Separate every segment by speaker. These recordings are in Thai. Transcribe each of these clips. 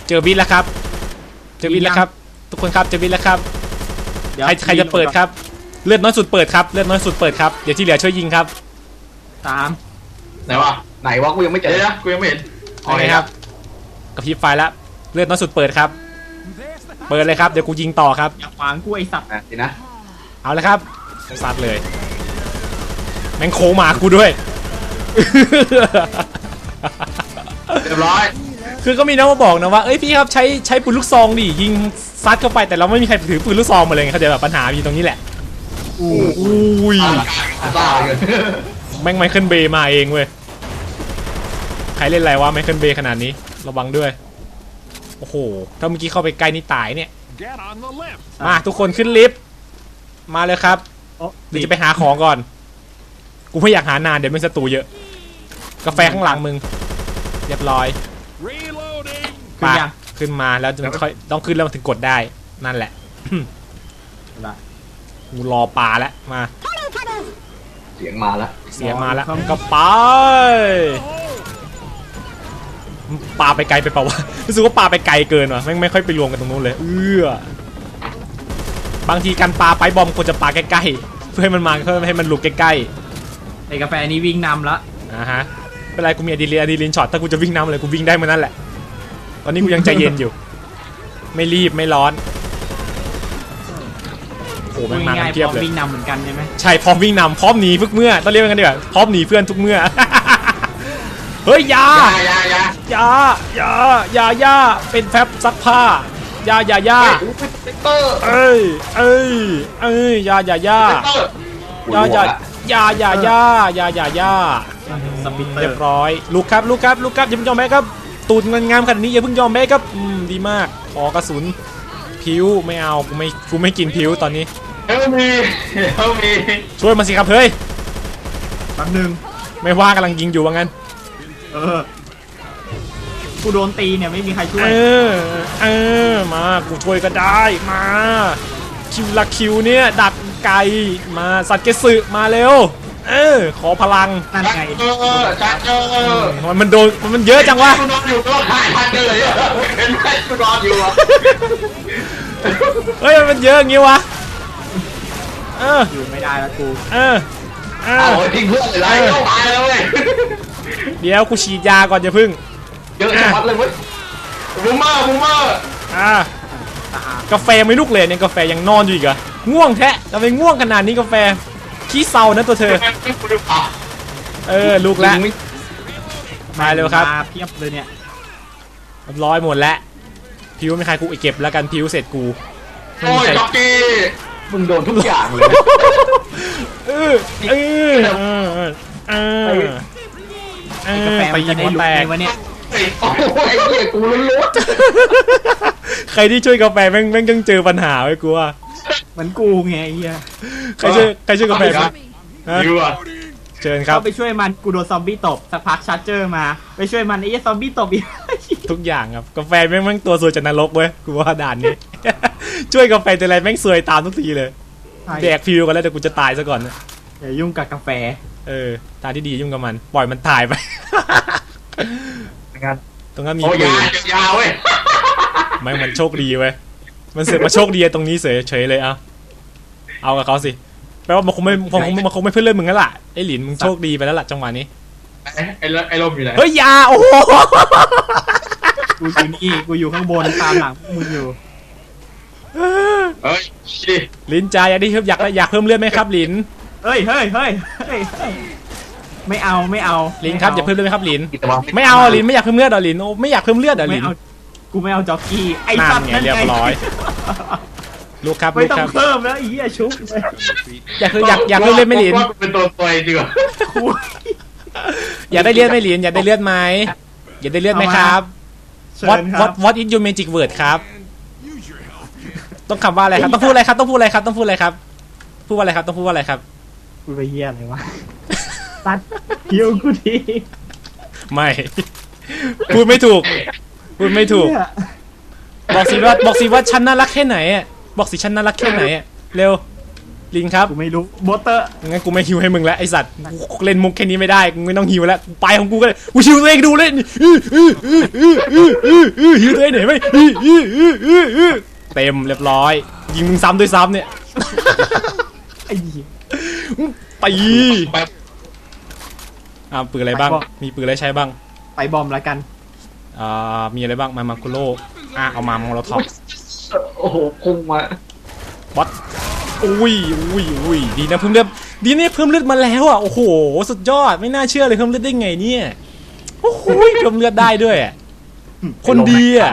Speaker 1: เจอวิทย์แล้วครับเจอวิทย์แล้วครับทุกคนครับเจอวิทย์แล้วครับใครจะเปิดครับเลือดน้อยสุดเปิดครับเลือดน้อยสุดเปิดครับเดี๋ยวที่เหลือช่วยยิงครับ
Speaker 2: ไหนวะกูยังไม่เจอกูยังไม่เห็น
Speaker 1: โอเคครับกระพริบไฟแล้วเลือดน้อยสุดเปิดครับเปิดเลยครับเดี๋ยวกูยิงต่อครับ
Speaker 3: อย่าขวางกูไอสัตว์
Speaker 2: สินะ
Speaker 1: เอาเลยครับซัดเลยแม่งโคหมากูด้วย
Speaker 2: เรียบร้อย
Speaker 1: คือก็มีน้องมาบอกนะว่าเอ้ยพี่ครับใช้ปืนลูกซองดิยิงซัดเข้าไปแต่เราไม่มีใครถือปืนลูกซองมาเลยเขาจะแบบปัญหาอยู่ตรงนี้แหละอุ้ยแม่งไมเคิลเบย์มาเองเว้ยใครเล่นอะไรวะไมเคิลเบย์ขนาดนี้ระวังด้วยโอ้โหถ้าเมื่อกี้เข้าไปใกล้นี่ตายเนี่ยมาทุกคนขึ้นลิฟต์มาเลยครับเดี๋ยวจะไปหาของก่อนกูไม่อยากหานานเดี๋ยวมันศัตรูเยอะกาแฟข้างหลังมึงเรียบร้อยปาขึ้นมาแล้วค่อยต้องขึ้นแล้วถึงกดได้นั่นแหละกูรอปลาแล้วมา
Speaker 2: เสียงมาแล้ว
Speaker 1: ก็ไปปลาไปไกลไปเปล่าวะรู้สึกว่าปลาไปไกลเกินว่ะไม่ค่อยไปรวมกันตรงนู้นเลยบางทีการปลาไปบอมควรจะปลาใกล้ๆเพื่อให้มันมาเพื่อให้มันหลุดใกล้
Speaker 3: ๆไอ้กาแฟนี้วิ่งนำละ
Speaker 1: ฮะเป็นไรกูมีอะดรีนาลีนช็อตถ้ากูจะวิ่งนำเลยกูวิ่งได้เหมือนนั่นแหละตอนนี้กูยังใจเย็นอยู่ไม่รีบไม่ร้อนโอ้แม่งมาเทียบเลย
Speaker 3: วิ่งนำเหมือนกันใช่ไหม
Speaker 1: ใช่พร้อมวิ่งนำพร้อมหนีทุกเมื่อต้องเรียกกันดีกว่าพร้อมหนีเพื่อนทุกเมื่อเฮ้ยยาเป็นแฟบซักผ้ายาเอ้ยยาเรียบร้อยลูกครับอย่าเพิ่งยอมแพ้ครับตูดงามขนาดนี้อย่าเพิ่งยอมแพ้ครับดีมากขอกระสุนผิวไม่เอากูไม่กินผิวตอนนี้
Speaker 2: เฮลมี
Speaker 1: ช่วยมาสิครับเฮ้ย
Speaker 3: แป๊บนึง
Speaker 1: ไม่ว่ากำลังยิงอยู่ว่างั้น
Speaker 3: กูโดนตีเนี่ยไม่มีใครช่วย
Speaker 1: มากูช่วยก็ได้มาคิวเนี่ยดักไก่มาสัตว์เกสึมาเร็วขอพลัง
Speaker 3: นั่นไง
Speaker 1: มันโดนมันเยอะจังวะ
Speaker 2: กูนอนอยู่ก็หายทันเลยเห็นไหมกูนอนอยู่
Speaker 1: เฮ้ยมันเยอะอย่างงี้วะ
Speaker 3: อยู่ไม่ได้แล้วกู
Speaker 2: ทิ้งเพื่อนเลยเข้าตายแล้วเว้ย
Speaker 1: เดี๋ยวกูฉีดยาก่อนอย่าพึ่ง
Speaker 2: เยอะจังเลยเว้ยบูมเมอร์
Speaker 1: กาแฟไม่ลุกเลยเนี่ยกาแฟยังนอนอยู่อีกเหรอง่วงแท้ทำไมง่วงขนาดนี้กาแฟขี้เศร้านะตัวเธอลูกแล้วมาเร็วครับ
Speaker 3: เพียบเลยเนี่ย
Speaker 1: ร้อยหมดแล้วพิวไม่ใครกูเก็บแล้วกันพิวเสร็จกู
Speaker 2: โอ้ยจ็อกกี้มึงโดนทุกอย่างเลย
Speaker 3: กาแฟไปยิงหัวแตกวะเนี่ย
Speaker 2: โอ้ยไอ้เหี้ยกูลุ้น
Speaker 1: ใครที่ช่วยกาแฟแม่งยังเจอปัญหาไว้กูว่า
Speaker 3: เหมือนกูไงไอ้เหี้ย
Speaker 1: ใครช่วยกาแฟเชิญครับ
Speaker 3: ไปช่วยมันกูโดนซอมบี้ตบสักพักชาร์เจอร์มาไปช่วยมันไอ้ซอมบี้ตบอีก
Speaker 1: ทุกอย่างครับกาแฟแม่งตัวซวยจากนรกเว้ยกูว่าด่านนี้ช่วยกาแฟแต่อะไรแม่งซวยตามทุกทีเลยแดกพิวกันแล้วแต่กูจะตายซะก่อนนะ
Speaker 3: อย่ายุ่งกับกาแฟ
Speaker 1: ทางที่ดียุ่งกับมันปล่อยมันตายไปตรงนั้นมี
Speaker 2: ปืนยาวเว้ย
Speaker 1: ไม่มันโชคดีเว้ยมันเสือกมาโชคดีตรงนี้เฉยเลยเอากับเขาสิแปลว่ามันคงไม่เพื่อนเล่นมึงแล้วล่ะไอ้หลินมึงโชคดีไปแล้วล่ะจังหวะนี้
Speaker 2: ไอ้ลมอยู่ไหน
Speaker 1: เฮ้ยยาโอ้โห
Speaker 3: กูอยู่นี่กูอยู่ข้างบนตามหลังมึงอยู่
Speaker 1: ลินจ่าอยากเพิ่มเลือดไหมครับลิน
Speaker 3: เฮ้ยไม่เอา
Speaker 1: ลินครับอยากเพิ่มเลือดไหมครับลินไม่เอาลินไม่อยากเพิ่มเลือดลินไม่อยากเพิ่มเลือดลิน
Speaker 3: กูไม่เอาจ็อกกี้ไอ้
Speaker 1: สัตว์นั่นเรียบร้อยลูกครับ
Speaker 3: ไม่ต้องเพิ่มแล้วอีอะชุบ
Speaker 1: อยากเพิ่มเลือดไม่ลิน
Speaker 2: เป็นตัวปล่อยดีกว่า
Speaker 1: อยากได้เลือดไม่ลินอยากได้เลือดไหมอยากได้เลือดไหมครับ What is your magic word ครับต้องคำว่าอะไรครับต้องพูดอะไรครับพูดว่าอะไรครับพูดว่าอะไรครับ
Speaker 3: พูดไปเหี้ยอะไรวะตัดคิวกูที
Speaker 1: ไม่พูดไม่ถูกบอกสิว่าฉันน่ารักแค่ไหนบอกสิฉันน่ารักแค่ไหนเร็วลินครับ
Speaker 3: กูไม่รู้โบเตอร์
Speaker 1: งั้นกูไม่ฮิวให้มึงแล้วไอสัตว์กูเล่นมุกแค่นี้ไม่ได้กูไม่ต้องฮิวแล้วกูไปของกูก็เลยกูฮิวตัวเองดูเล่นฮิวตัวเองหน่อยไหมเต็มเรียบร้อยยิงมึงซ้ำด้วยซ้ำเนี่ย
Speaker 3: ไอ้เหี้ย
Speaker 1: ตี
Speaker 2: ไป
Speaker 1: ปืนอะไรบ้างมีปืนอะไรใช้บ้าง
Speaker 3: ไปบอมแล้วกัน
Speaker 1: มีอะไรบ้างมาคุโร่เอามาโมโลท็อป
Speaker 2: โอ้โหพุ่งมา
Speaker 1: วัดอุ้ยดีนะเพิ่มเลือดดีเนี่ยเพิ่มเลือดมาแล้วอ่ะโอ้โหสุดยอดไม่น่าเชื่อเลยเพิ่มเลือดได้ไงเนี่ยโอ้โหเพิ่มเลือดได้ด้วยคนดีอ่ะ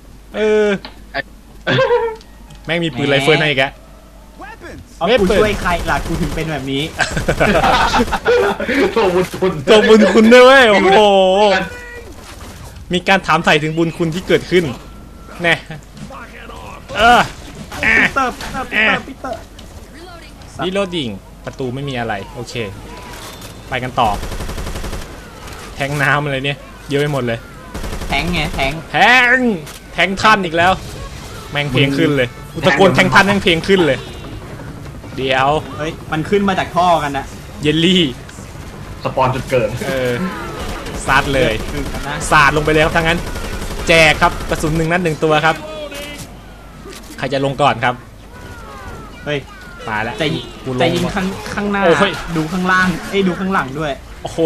Speaker 1: แม่งมีปืนไรเฟิลให้อีกอะ
Speaker 3: เอากูช่วยใครล่ะกูถึงเป็นแบบนี้
Speaker 2: ตัวบุญคุณ
Speaker 1: ตัวบุญคุณด้วยเว้ยโอ้โหมีการถามไถ่ถึงบุญคุณที่เกิดขึ้นแน่
Speaker 3: ปีเตอร์
Speaker 1: รีโหลดดิ่งประตูไม่มีอะไรโอเคไปกันต่อแทงน้ำอะไรเนี่ยเยอะไปหมดเลย
Speaker 3: แทงไงแทง
Speaker 1: แทงท่านอีกแล้วแม่งเพลงขึ้นเลยอุตะโกนแทงท่านแม่งเพลงขึ้นเลยเดี๋ยว
Speaker 3: เฮ้ยมันขึ้นมาจากท่อกันนะ
Speaker 1: เยลลี่
Speaker 2: สปอนจนเกิน
Speaker 1: ซัดเลยสาดลงไปเลยครับทั้งนั้นแจกครับกระสุน1 นัด 1 ตัวครับใครจะลงก่อนครับ
Speaker 3: เฮ้ย
Speaker 1: ตายแล้ว
Speaker 3: จะยิงข้างหน้าดูข้างล่างดูข้างหลังด้วย
Speaker 1: โอ้โห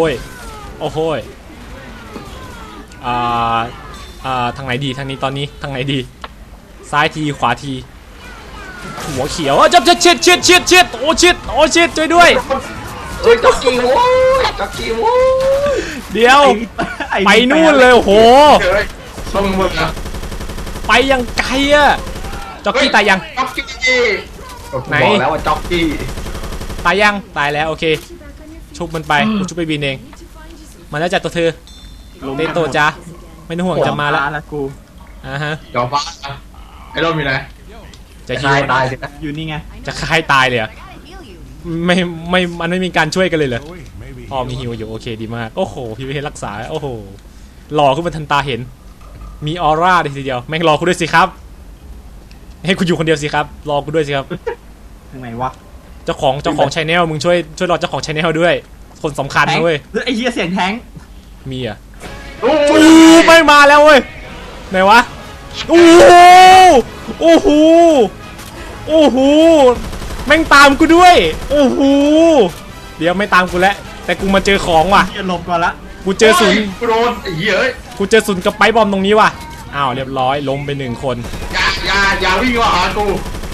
Speaker 1: ทางไหนดีทางนี้ตอนนี้ทางไหนดีซ้ายทีขวาทีหัวเขียวจับชิดโอ้ชิดช่วยด้วย
Speaker 2: จ็อกกี้โว้ย
Speaker 1: เดี๋ยวไปนู่นเลยโอ้โห
Speaker 2: ต้องมึงนะ
Speaker 1: ไปยังไกลอะจ็อกกี้ตายยัง
Speaker 2: จ็อกกี้ไหนบอกแล้วว่าจ็อกกี้
Speaker 1: ตายยังตายแล้วโอเคชุบมันไปกูชุบไปบินเองมาแล้วจากตัวเธอเตโตจ้าไม่ต้องห่วงจะมาแล้ว
Speaker 3: กู
Speaker 1: ฮะ
Speaker 2: จอฟ้าไอ้โดนมีไหน
Speaker 1: จะฮิว
Speaker 2: ตายสินะ
Speaker 3: อยู่นี่ไง
Speaker 1: จะฆ่าให้ตายเลยไม่มันไม่มีการช่วยกันเลยเหรอมีฮิวอยู่โอเคดีมากโอ้โหพี่ไปเห็นรักษาโอ้โหหล่อขึ้นมาทันตาเห็นมีออร่าเลยทีเดียวแม่งรอกูด้วยสิครับให้กูอยู่คนเดียวสิครับรอกูด้วยสิครับ
Speaker 3: ทางไหนวะ
Speaker 1: เจ้าของชาแนลมึงช่วยรอเจ้าของชาแนลด้วยคนสำคัญนะเว้ย
Speaker 3: ไอ้เหี้ยเสียงแทง
Speaker 1: มีไม่มาแล้วเว้ยไหนวะโอ้โหแม่งตามกูด้วยโอ้โหเดี๋ยวไม่ตามกูแล้วแต่กูมาเจอของว่ะ
Speaker 3: หลบก่อนละ
Speaker 1: กูเจอศูนย์
Speaker 2: โดนไอ้เหี้ย
Speaker 1: กูเจอศูนย์กับไปบอมตรงนี้ว่ะอ้าวเรียบร้อยล้มไป1 คน
Speaker 2: อย่าวิ่งมาหากู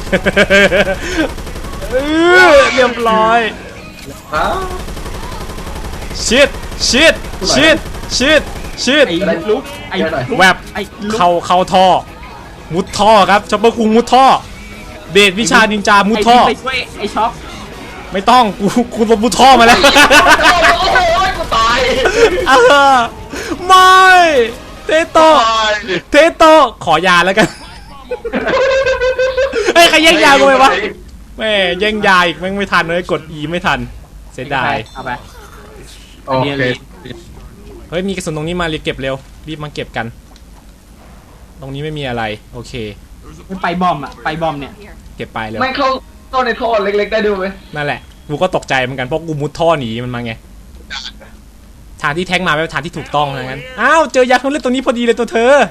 Speaker 1: เรียบร้อยชิด
Speaker 3: ไอ้ลุก
Speaker 1: แวบเข้าท่อมุดท่อครับช็อปเปอร์คุงมุดท่อเดชวิชานินจามุดท่อ
Speaker 3: ไปช่วยไอ้ช็อป
Speaker 1: ไม่ต้องกูลบมุดท่อมาแล้ว
Speaker 2: กูตาย
Speaker 1: ไม่เทโตขอยาแล้วกันเฮ้ยใครแย่งยากูไปวะแม่แย่งยาอีกแม่งไม่ทันเลยกด E ไม่ทันเสียดาย
Speaker 3: เอาไป
Speaker 2: โอเค
Speaker 1: เฮ้ยมีกระสุนตรงนี้มารีบเก็บเร็วรีบมาเก็บกันตรงนี้ไม่มีอะไรโอเค
Speaker 3: ไปบอมไปบอมเนี่ย
Speaker 1: เก็บไปเลย
Speaker 2: ไม่เข้าในท่อเล็กๆได้ดูไหม
Speaker 1: นั่นแหละกูก็ตกใจเหมือนกันเพราะกูมุดท่อหนีมันมาไงทางที่แท็กมาเป็นทางที่ถูกต้องนะงั้นอ้าวเจอยาเพิ่มเลือดตรงนี้พอดีเลยตัวเธอ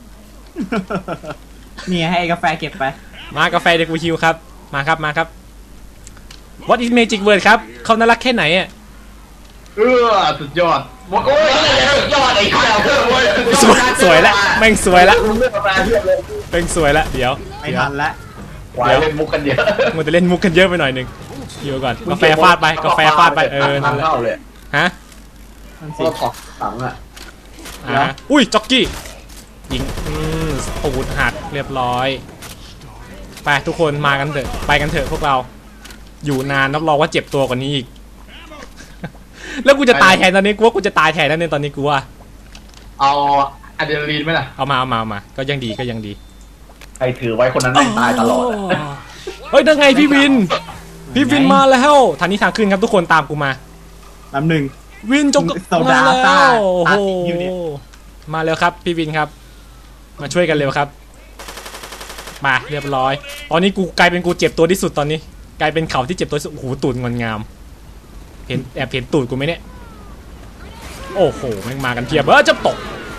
Speaker 3: เนี่ยให้กาแฟเก็บไป
Speaker 1: มากาแฟเด็กกูฮิวครับมาครับ What is magic word ครับเขาน่ารักแค่ไหนอ่ะ
Speaker 2: สุดยอดโอ้ยสุดยอดไอ้ข้าว
Speaker 1: สวยแล้วแม่งสวยแล้วแม่งสวยแล้วเดี๋ยว
Speaker 3: ไม่ทันแล้ว
Speaker 2: เล่นมุกกันเยอะ
Speaker 1: มันจะเล่นมุกกันเยอะไปหน่อยนึงฮิวก่อนกาแฟฟาดไปนั่นแหละฮะ
Speaker 2: ก็ถอดถัง
Speaker 1: อุ้ยจ็อกกี้ยิงปูดหักเรียบร้อยไปทุกคนมากันเถอะไปกันเถอะพวกเราอยู่นานรับรองว่าเจ็บตัวกว่านี้อีกแล้วกูจะตายแทนตอนนี้กูว่ากูจะตายแทนแล้วเนี่ยตอนนี้กูว่า
Speaker 2: เอาอะดรีนาลีนไหมล่ะ
Speaker 1: เอามาก็ยังดี
Speaker 2: ใครถือไว้คนนั้นตายตลอด
Speaker 1: เฮ้ยได้ไงพี่วินมาแล้วทางนี้ทางขึ้นครับทุกคนตามกูมา
Speaker 3: ลำหนึ่ง
Speaker 1: วินจงมาแล้วโอ้โหมาแล้วครับพี่วินครับมาช่วยกันเร็วครับมาเรียบร้อยตอนนี้กูกลายเป็นกูเจ็บตัวที่สุดตอนนี้กลายเป็นเขาที่เจ็บตัวโอ้โหตูดงอนงามเห็นแอบเห็นตูดกูไหมเนี่ยโอ้โหแม่งมากันเพียบจะตก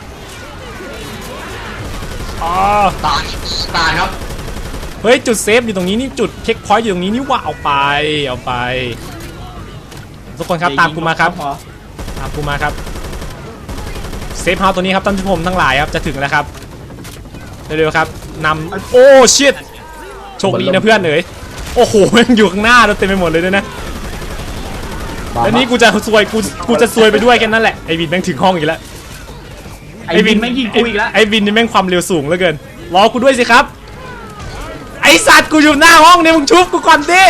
Speaker 2: ตายครับ
Speaker 1: เฮ้ยจุดเซฟอยู่ตรงนี้นี่จุดเช็คพอยต์อยู่ตรงนี้นี่ว่าเอาไปทุกคนครับตามกูมาครับตามกูมาครับเซฟเฮาส์ตัวนี้ครับท่านผู้ชมทั้งหลายครับจะถึงแล้วครับเร็วๆครับนำโอ้ชิตโชคดีนะเพื่อนเอ๋ยโอ้โหแม่งอยู่ข้างหน้าเราเต็มไปหมดเลยด้วยนะแล้วนี้กูจะซวยกูจะซวยไปด้วยแค่นั้นแหละไอวินแม่งถึงห้องอีกแล้ว
Speaker 3: ไอวินแม่งยิงกูอีกแล้ว
Speaker 1: ไอวินนี่แม่งความเร็วสูงเหลือเกินรอกูด้วยสิครับไอสัตว์กูอยู่หน้าห้องเนี่ยมึงชุบกูก่อนดิ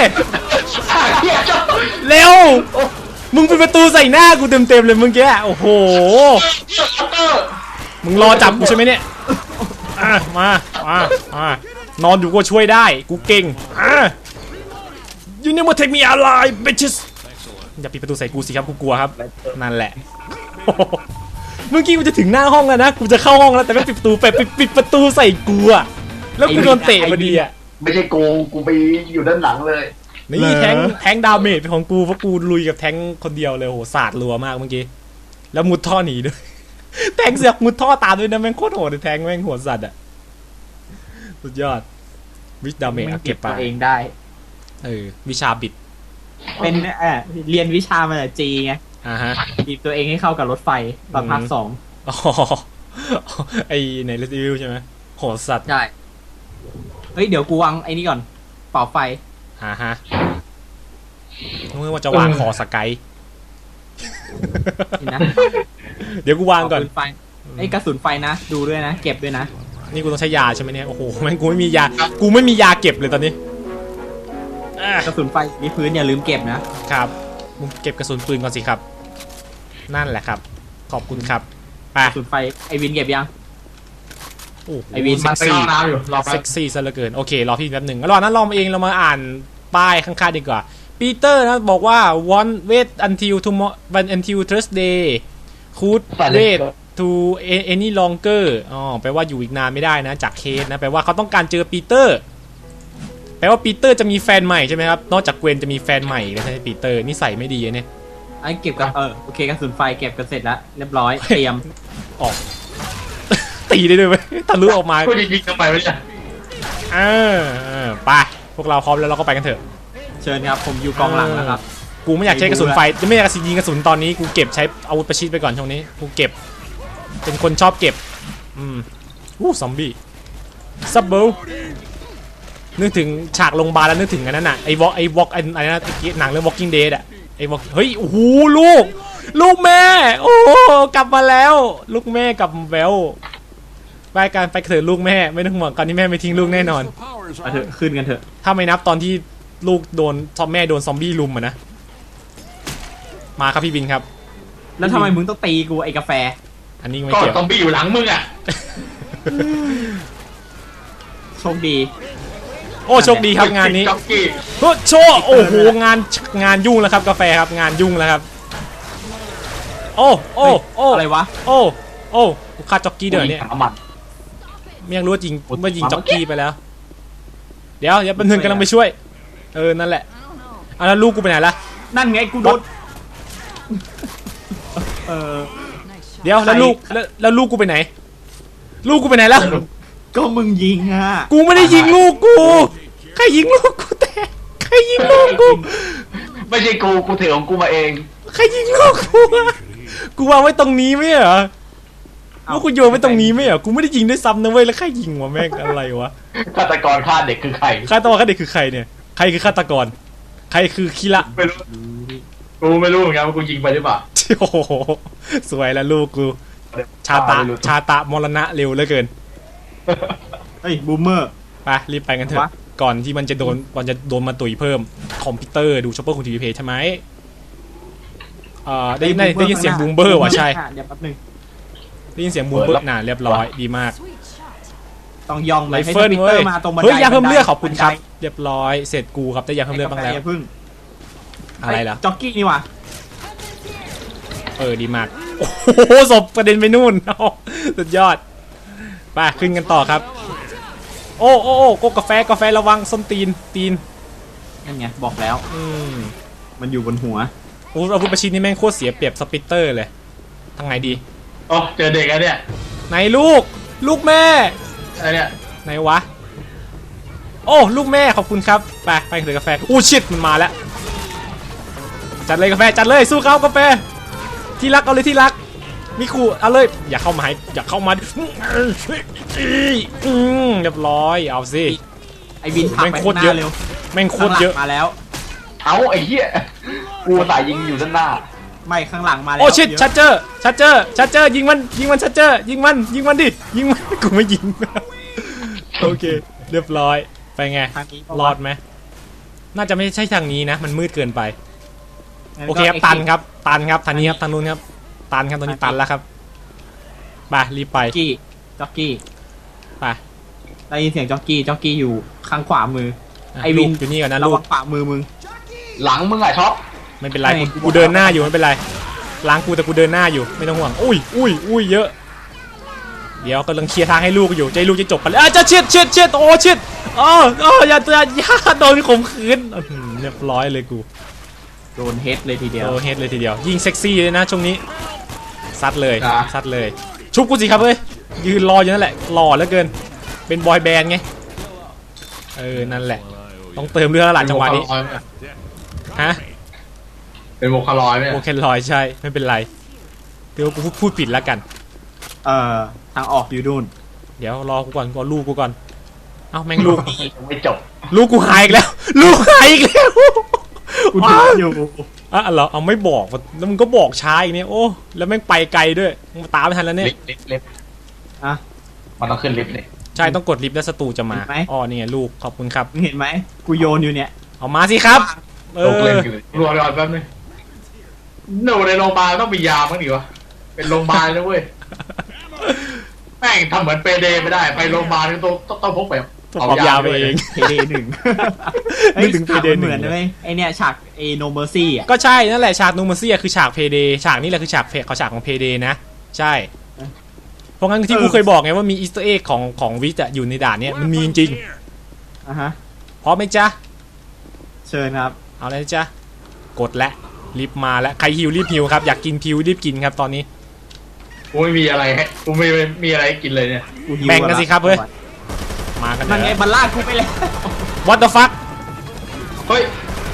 Speaker 1: เร็วมึงเป็นประตูใส่หน้ากูเต็มเลยมึงแกโอ้โหมึงรอจับกูใช่ไหมเนี่ยมานอนอยู่ก็ช่วยได้กูเก่งYou never take me alive bitches อย่าปิดประตูใส่กูสิครับกูกลัวครับนั่นแหละเมื่อกี้กูจะถึงหน้าห้องแล้วนะกูจะเข้าห้องแล้วแต่ไม่ปิดประตูปิดประตูใส่กูอะแล้วกูโดนเตะพอดีอะ
Speaker 2: ไม่ใช่กูไปอยู่ด้านหลังเลย
Speaker 1: นี่แทงดาเมจเป็นของกูเพราะกูลุยกับแทงคนเดียวเลยโหสาดรัวมากเมื่อกี้แล้วมุดท่อหนีด้วยแทงเสือกมุดท่อตามด้วยนะแม่งโคตรโหดเลยแทงแม่งหัวสัตว์อะสุดยอดวิชดาเมจเก็บไป
Speaker 3: เองได้
Speaker 1: วิชาบิด
Speaker 3: เป็นเรียนวิชามาจากจีไง
Speaker 1: ฮะ
Speaker 3: บีบตัวเองให้เข้ากับรถไฟตอนภาค2
Speaker 1: ไอในเรสซิลใช่ไหมโหดสัตว์
Speaker 3: ใช่เฮ้ยเดี๋ยวกูวางไอ้นี่ก่อนเป่าไฟ
Speaker 1: ฮะเมื่อว่าจะวางคอสกาย
Speaker 3: นะ
Speaker 1: เดี๋ยวกูวางก่อน
Speaker 3: ไอ้กระสุนไฟนะดูด้วยนะเก็บด้วยนะ
Speaker 1: นี่กูต้องใช้ยาใช่ไหมเนี่ยโอ้โหแม่งกูไม่มียาเก็บเลยตอนนี้
Speaker 3: กระสุนไฟที่พื้นอย่าลืมเก็บนะครับ
Speaker 1: มึงเก็บกระสุนปืนก่อนสิครับนั่นแหละครับขอบคุณครับ
Speaker 3: กระสุนไฟไอวินเก็บยัง
Speaker 1: ไอวินเซ็กซี่เซ็กซี่ซะเหลือเกินโอเครอพี่แป๊บหนึ่งแล้วรอนั้นเรามาอ่านป้ายข้างๆดีกว่าปีเตอร์นะบอกว่า wait until tomorrow until Thursday could wait to any longer แปลว่าอยู่อีกนานไม่ได้นะจากเคสนะแปลว่าเขาต้องการเจอปีเตอร์แปลว่าปีเตอร์จะมีแฟนใหม่ใช่ไหมครับนอกจากเกวนจะมีแฟนใหม่แล้วใช่ไหมปีเตอร์นิสัยไม่ดีเนี่ย
Speaker 3: ไอ้เก็บกับโอเคกระสุนไฟเก็บกันเสร็จแล้วเรียบร้อยเตรียม
Speaker 1: ออกตีได้ด้วยไหมทะลุออกมา
Speaker 2: พูดจริงๆทำไมไม่ใช่
Speaker 1: ไปพวกเราพร้อมแล้วเราก็ไปกันเถอะ
Speaker 3: เชิญครับผมอยู่กองหลังแล้วครับ
Speaker 1: กูไม่อยากใช้กระสุนไฟจะไม่อยากยิงกระสุนตอนนี้กูเก็บใช้อาวุธประชิดไปก่อนช่วงนี้กูเก็บเป็นคนชอบเก็บซอมบี้ซับเบิลนึกถึงฉากโรงพยาบาลแล้วนึกถึงอันนั้นน่ะไอ้วอล์กอะไรนะหนังเรื่อง Walking Dead อ่ะไอ้วอล์กเฮ้ยโอ้โหลูกแม่โอ้กลับมาแล้วลูกแม่กลับมาแล้วไปกันไปเถอะลูกแม่ไม่ต้องห่วงตอนนี้แม่ไม่ทิ้งลูกแน่นอน
Speaker 3: ไปเถอะขึ้นกันเถอะ
Speaker 1: ถ้าไม่นับตอนที่ลูกโดนแม่โดนซอมบี้ลุมนะมาครับพี่บินครับ
Speaker 3: แล้วทำไมมึงต้องตีกูไอ้กาแฟ
Speaker 1: อันนี้ไม่เกี่ยว
Speaker 2: ซอมบี้อยู่หลังมึงอ่ะ
Speaker 3: โชคดี
Speaker 1: โอ้โชคดีครับงานนี้โชคโอ้โหงานยุ่งแล้วครับกาแฟครับงานยุ่งแล้วครับโอ้
Speaker 3: อะไรวะ
Speaker 1: โอ้กูฆ่าจ็อกกี้เดี๋ยวนี้ไม่ยังรู้จริงว่ายิงจ็อกกี้ไปแล้วเดี๋ยวแป๊บนึงกำลังไปช่วยนั่นแหละแล้วลูกกูไปไหนล่ะ
Speaker 3: นั่นไงกูโดน
Speaker 1: เดี๋ยวแล้วลูกกูไปไหนลูกกูไปไหนแล้ว
Speaker 3: ก็มึงยิงอ่ะ
Speaker 1: กูไม่ได้ยิงลูกกูใครยิงลูกกูแต่ใครยิงลูกกู
Speaker 2: ไม่ใช่กูถือของกูมาเอง
Speaker 1: ใครยิงลูกกูวางไว้ตรงนี้ไม่เหรอลูกกูโยนไว้ตรงนี้ไม่เหรอกูไม่ได้ยิงด้วยซ้ำนะเว้ยแล้วใครยิงวะแม่งอะไรวะ
Speaker 2: ฆาตกรฆ่าเด็กคือใคร
Speaker 1: ฆาตกรฆ่าเด็กคือใครเนี่ยใครคือฆาตกรใครคือคิระ
Speaker 2: ไม่รู้กูไม่รู้เหมือนกันว่ากูยิงไปหรือเปล่า
Speaker 1: โอ้โหสวยแล้วลูกกูชาตะมรณะเร็วเหลือเกิน
Speaker 3: เฮ้ยบูมเมอร์
Speaker 1: ไปรีบไปกันเถอะก่อนที่มันจะโดนมาตุ๋ยเพิ่มคอมพิวเตอร์ดูช็อปเปอร์ของทีวีเพย์ใช่ไหมได้ยินเสียงบูมเบอร์ว่ะใช่
Speaker 3: เดี๋ยวแป๊บนึง
Speaker 1: ได้ยินเสียงบูมเบอร์เรียบร้อยดีมาก
Speaker 3: ต้องย่องเลย
Speaker 1: ให้สปิเตอร์มาตรงบันไดเฮ้ยยาเพิ่มเลือดขอบคุณครับเรียบร้อยเสร็จกูครับได้ยาเพิ่มเลือดบ้างแล้วอะไรล่ะ
Speaker 3: จ็อกกี้นี่ว่ะ
Speaker 1: ดีมากโอ้โหศพกระเด็นไปนู่นสุดยอดไปขึ้นกันต่อครับโอ้กาแฟระวังส้นตีน
Speaker 3: นั่นไงบอกแล้ว มันอยู่บนหัว
Speaker 1: อาวุธประชิดนี่แม่งโคตรเสียเปรียบสปิตเตอร์เลยทางไหนดี
Speaker 2: โอ้เจอเด็กแล้วเนี่ย
Speaker 1: ไหนลูกแม่
Speaker 2: อะไรเนี่ย
Speaker 1: ไหนวะโอ้ลูกแม่ขอบคุณครับไปถือกาแฟอู้ชิดมันมาแล้วจัดเลยกาแฟจัดเลยสู้เขากาแฟที่รักเอาเลยที่รักมิคุเอาเลยอย่าเข้ามาอย่าเข้ามาเรียบร้อยเอาสิ
Speaker 3: ไอ้บินผลักไปข้างหน้าเร็ว
Speaker 1: แม่งโคตรเยอะ
Speaker 3: มาแล้ว
Speaker 2: เอาไอ้เหี้ยกูสายยิงอยู่ด้านหน้า
Speaker 3: ไม่ข้างหลังมาแล้ว
Speaker 1: โอ้ชิดชัดเจอยิงมันชัดเจอยิงมันดิยิงมันกูไม่ยิงโอเคเรียบร้อยไปไง
Speaker 3: ทางนี้
Speaker 1: รอดไหมน่าจะไม่ใช่ทางนี้นะมันมืดเกินไปโอเคครับตันครับทางนี้ครับทางนู้นครับตันครับตอนนี้ตันแล้วครับไปรีบไป
Speaker 3: จ็อกกี้
Speaker 1: ไป
Speaker 3: ได้ยินเสียงจ็อกกี้อยู่ข้างขวามือไอวิน
Speaker 1: อยู่นี่ก่อนนะ
Speaker 3: ระ
Speaker 1: ลู
Speaker 3: วั
Speaker 1: ก
Speaker 3: งขวามือมึง
Speaker 2: หลังมึงอะช็อป
Speaker 1: ไม่เป็นไรกูเดินหน้าอยู่ไม่เป็นไรล้างกูแต่กูเดินหน้าอยู่ไม่ต้องห่วงอุ้ยเยอะเดี๋ยวกำลังเคลียร์ทางให้ลูกอยู่ใจลูกจะจบกันแล้วจะเช็ดโอ้เช็ดอย่าโดนข่มขืนเรียบร้อยเลยกู
Speaker 3: โดนเฮดเลยทีเดียว
Speaker 1: เฮดเลยทีเดียวยิงเซ็กซี่เลยนะช่วงนี้ซัดเลยชุบกูสิครับเอ้ยยืนรออยู่นั่นแหละหล่อเหลือเกินเป็นบอยแบนด์ไงนั่นแหละต้องเติมเรื่องหลังจังหวะนี้ฮะ
Speaker 2: เป็นโวคาลอยไหม
Speaker 1: โอเคลอยใช่ไม่เป็นไรเดี๋ยวกูพูดผิดแล้วกัน
Speaker 3: ทางออกอยู่นู่น
Speaker 1: เดี๋ยวรอกูก่อนลูกกูก่อนเอ้าแม่งลูก
Speaker 2: ไม่จบ
Speaker 1: ลูกกูหายอีกแล้ว
Speaker 3: กูดูอยู่
Speaker 1: เหรอเอาไม่บอกแล้วมึงก็บอกช้าอีกเนี่ยโอ้แล้วแม่งไปไกลด้วยมึงตามไม่ทันแล้วเนี่ย
Speaker 2: ลิฟต์มันต้องขึ้นลิฟต์เนี่ย
Speaker 1: ใช่ต้องกดลิฟต์แล้วศัตรูจะมาอ๋อนี่ไงลูกขอบคุณครับ
Speaker 3: เห็นไหมกูโยนอยู่เนี่ย
Speaker 1: เอามาสิครับ
Speaker 2: ตกเล่นเลยรอแป๊บนึงหนูในโรงพยาบาลต้องมียาบ้างดิวะเป็นโรงพยาบาลนะเว้ยแม่งทำเหมือนเปเดไม่ได้ไปโรงพยาบาลต้องพกไป
Speaker 1: เอายาไปเอง
Speaker 3: เพเด1นึกถึงเพเด1เหมือนเลยไอเนี่ยฉากโนเมอร์ซี่อ่ะ
Speaker 1: ก็ใช่นั่นแหละฉากโนเมอร์ซี่คือฉากเพเดฉากนี้แหละคือฉากของเพเดนะใช่เพราะงั้นที่กูเคยบอกไงว่ามีอีสเตอร์เอ็กของวิทอยู่ในด่านเนี้ยมันมีจริงพร้อมไหมจ๊ะ
Speaker 3: เชิญครับ
Speaker 1: เอาเลยจ๊ะกดและรีบมาแล้วใครหิวรีบหิวครับอยากกินพิวรีบกินครับตอนนี้
Speaker 2: กูไม่มีอะไรให้กูไม่มีอะไรกินเลยเนี่ย
Speaker 1: แบ่งกันสิครับเฮ้ยมากัน
Speaker 3: นั่นไงมันลากกูไปแล้ว
Speaker 1: What the fuck
Speaker 2: เฮ้ย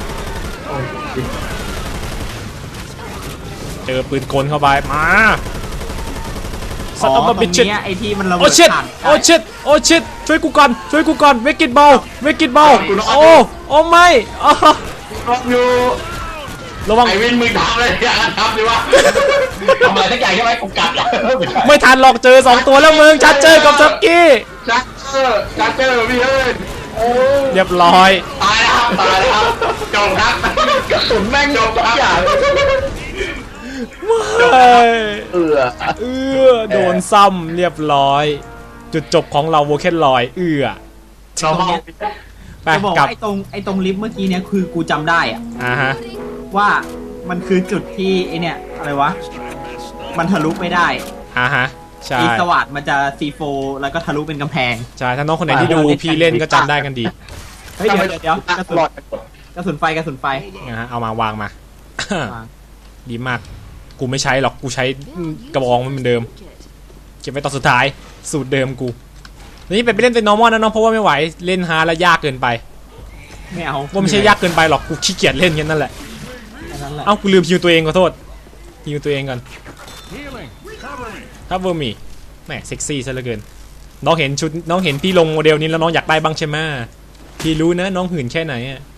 Speaker 1: เจอปืนกลเข้าไปมา
Speaker 3: สัตว์ตัวนี้ไอที่มันระเบิด
Speaker 1: โอ้ชิตช่วยกูก่อนเวกิตบอลโอ้ไม่
Speaker 2: อยู่
Speaker 1: ระวัง
Speaker 2: ไอวินมือทำเลยอย่าทำดิวะทำอะไรสักอย่างใช่ไหมกูกัด
Speaker 1: ไม่ทันหรอกเจอ2ตัวแล้วมึงชัดเจอกับซักกี้
Speaker 2: ชัดเจอพี่เอ้ย
Speaker 1: เรียบร้อย
Speaker 2: ตายแล้วจบครับกระสุนแม่งจบทุกอย่าง
Speaker 1: โดนซ้ำเรียบร้อยจุดจบของเราโวเคนลอย
Speaker 2: เราเมา
Speaker 3: ไปบอกไอ้ตรงลิฟต์เมื่อกี้เนี่ยคือกูจำได้อ่ะว่ามันคือจุดที่ไอเนี่ยอะไรวะมันทะลุไม่ได้
Speaker 1: ใช่
Speaker 3: อีสวัสดมันจะซีโฟแล้วก็ทะลุเป็นกำแพง
Speaker 1: ใช่ถ้าน้องคนไหนที่ดูพี่เล่นก็จำได้กันดี
Speaker 3: เฮ้ยเดี๋ยวกระสุนไฟ
Speaker 1: เอามาวางมาดีมากกูไม่ใช้หรอกกูใช้กระบองมันเหมือนเดิมเก็บไว้ตอนสุดท้ายสูตรเดิมกูนี่ไปเล่นเป็น normal นะน้องเพราะว่าไม่ไหวเล่นฮาร์ดแล้วยากเกินไป
Speaker 3: ไม่เอา
Speaker 1: ว่าไม่ใช่ยากเกินไปหรอกกูขี้เกียจเล่นแค่นั้นแหละเอ้ากูลืมฮิวตัวเองขอโทษฮิวตัวเองก่อนครับเวอร์มี่แหมเซ็กซี่ซะเหลือเกินน้องเห็นชุดน้องเห็นพี่ลงโมเดลนี้แล้วน้องอยากได้บ้างใช่ไหมพี่รู้นะน้องหื่นแค่ไหนอ่ะ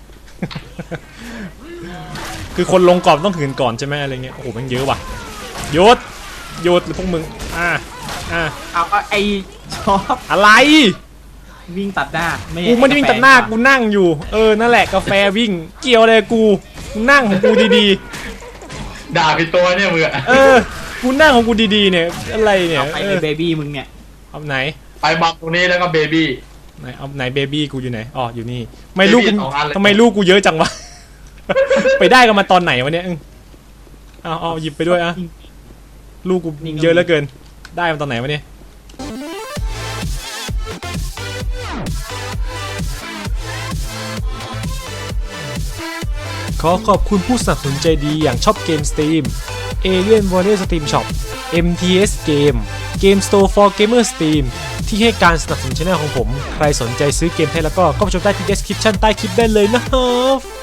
Speaker 1: คือคนลงก่อนต้องหื่นก่อนใช่ไหมอะไรเงี้ยโอ้โหมันเยอะว่ะโยดพวกมึง
Speaker 3: เอาไอชอบ
Speaker 1: อะไร
Speaker 3: วิ่งตัดหน้า
Speaker 1: กูไม่ได้วิ่งตัดหน้ากูนั่งอยู่นั่นแหละกาแฟวิ่งเกี่ยวเลยกูนั่งของกูดี
Speaker 2: ๆด่าผิดตัวเนี่ยมึง
Speaker 1: กูนั่งของกูดีๆเนี่ยอะไรเนี่ย
Speaker 3: ไปเบบี้มึงเนี่ย
Speaker 1: เอาไหน
Speaker 2: ไปบังตรงนี้แล้วก็เบบี้
Speaker 1: ไหนเอาไหนเบบี้กูอยู่ไหนอ๋ออยู่นี่ไม่ลูกทำไมลูกกูเยอะจังวะไปได้กันมาตอนไหนวะเนี่ยเอาหยิบไปด้วยลูกกูเยอะเหลือเกินได้มาตอนไหนวะเนี่ยขอขอบคุณผู้สนับสนุนใจดีอย่างช็อปเกม Steam Alien Warrior Steam Shop MTS Game Game Store for Gamer Steam ที่ให้การสนับสนุนช่องของผมใครสนใจซื้อเกมไทยแล้วก็เข้าไปชมได้ที่ description ใต้คลิปได้เลยนะครับ